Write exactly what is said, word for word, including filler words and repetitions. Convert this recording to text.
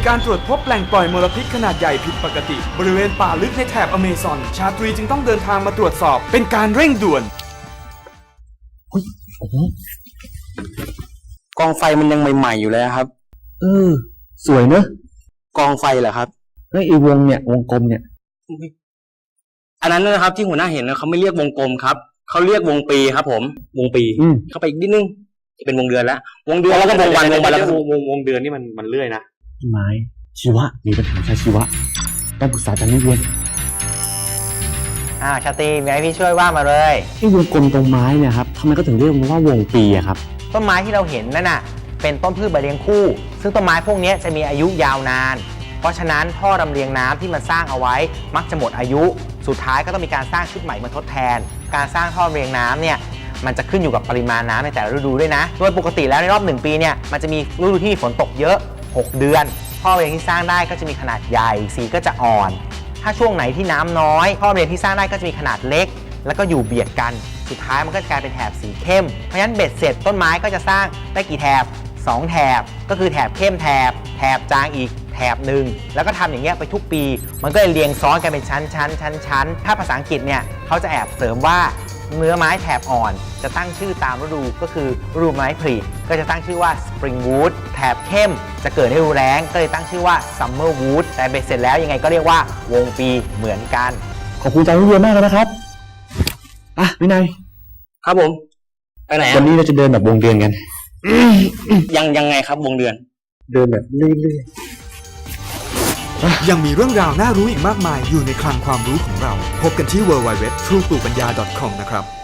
การตรวจพบแหล่งปล่อยมลพิษขนาดใหญ่ผิดปกติบริเวณป่าลึกในแถบอเมซอนชาตรีจึงต้องเดินทางมาตรวจสอบเป็นการเร่งด่วนโอ้โหกองไฟมันยังใหม่ๆอยู่เลยครับเออสวยเนอะกองไฟเหรอครับเฮ้ยไอ้วงเนี่ยวงกลมเนี่ยอันนั้นนะครับที่หัวหน้าเห็นนะเขาไม่เรียกวงกลมครับเขาเรียกวงปีครับผมวงปีเข้าไปอีกนิดนึงจะเป็นวงเดือนแล้ววงเดือนแล้วก็วงวันวงวันแล้วก็วงวงเดือนนี่มันมันเลื่อยนะไม้ชีวะมีปัญหาใช่ชีวะต้องปรึกษาอาจารย์นิเวศน์อ่าชาตรีมีอะไรพี่ช่วยว่ามาเลยไอ้วงกลมตรงไม้เนี่ยครับทำไมก็ถึงเรียกมันว่าวงปีอะครับต้นไม้ที่เราเห็นนั่นน่ะเป็นต้นพืชใบเลี้ยงคู่ซึ่งต้นไม้พวกนี้จะมีอายุยาวนานเพราะฉะนั้นท่อลำเลียงน้ำที่มันสร้างเอาไว้มักจะหมดอายุสุดท้ายก็ต้องมีการสร้างชุดใหม่มาทดแทนการสร้างท่อลำเลียงน้ำเนี่ยมันจะขึ้นอยู่กับปริมาณน้ำในแต่ละฤดูด้วยนะโดยปกติแล้วในรอบหนึ่งปีเนี่ยมันจะมีฤดูที่ฝนตกเยอะหกเดือนท่อลำเลียงที่สร้างได้ก็จะมีขนาดใหญ่สีก็จะอ่อนถ้าช่วงไหนที่น้ำน้อยท่อลำเลียงที่สร้างได้ก็จะมีขนาดเล็กแล้วก็อยู่เบียดกันสุดท้ายมันก็จะกลายเป็นแถบสีเข้มเพราะฉะนั้นเบ็ดเสร็จต้นไม้ก็จะสร้างได้กี่แถบสองแถบก็คือแถบเข้มแถบแถบจางอีกแถบหนึ่งแล้วก็ทำอย่างเงี้ยไปทุกปีมันก็เลยเรียงซ้อนกันเป็นชั้นชั้นชั้นชั้นถ้าภาษาอังกฤษเนี่ยเขาจะแอบเสริมว่าเนื้อไม้แถบอ่อนจะตั้งชื่อตามฤดูก็คือฤดูไม้ผลิก็จะตั้งชื่อว่า spring wood แถบเข้มจะเกิดในฤดูแล้งก็เลยตั้งชื่อว่า summer wood แต่เบ็ดเสร็จแล้วยังไงก็เรียกว่าวงปีเหมือนกันขอบคุณอาจารย์นิเวศน์มากเลยนะครับอ่ะวินัยครับผมไปไหนวันนี้เราจะเดินแบบวงเดือนกันยังยังไงครับวงเดือนเดินแบบเรื่อยๆยังมีเรื่องราวน่ารู้อีกมากมายอยู่ในคลังความรู้ของเราพบกันที่ ดับเบิลยู ดับเบิลยู ดับเบิลยู ดอท ทรู ปลูกปัญญา ดอท คอม นะครับ